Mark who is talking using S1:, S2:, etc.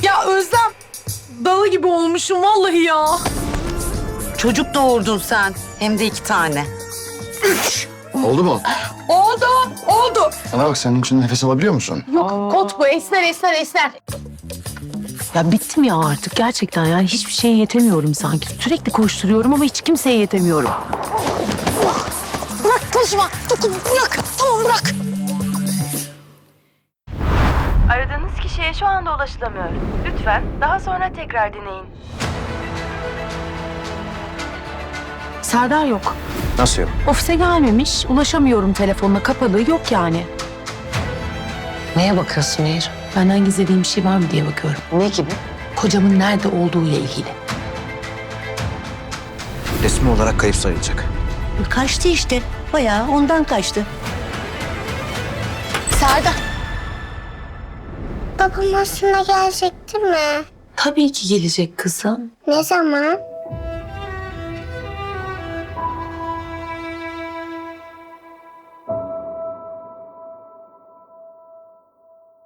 S1: Ya Özlem, dalı gibi olmuşum vallahi ya.
S2: Çocuk doğurdun sen. Hem de 2 tane.
S3: Oldu mu?
S1: Oldu.
S3: Bana bak, senin için nefes alabiliyor musun?
S1: Yok kot bu, esner.
S4: Ya bittim ya artık gerçekten, yani hiçbir şeye yetemiyorum sanki. Sürekli koşturuyorum ama hiç kimseye yetemiyorum.
S1: Bırak taşıma, bırak. Tamam bırak.
S5: Aradığınız kişiye şu anda ulaşılamıyor. Lütfen daha sonra tekrar deneyin.
S4: Serdar yok.
S3: Nasıl yok?
S4: Ofise gelmemiş. Ulaşamıyorum, telefonla kapalı. Yok yani.
S2: Neye bakıyorsun Nehir?
S4: Benden gizlediğim bir şey var mı diye bakıyorum.
S2: Ne gibi?
S4: Kocamın nerede olduğuyla ilgili.
S3: Resmi olarak kayıp sayılacak.
S6: Kaçtı işte. Bayağı ondan kaçtı.
S1: Serdar.
S7: Babam aslında gelecekti mi?
S4: Tabii ki gelecek kızım.
S7: Ne zaman?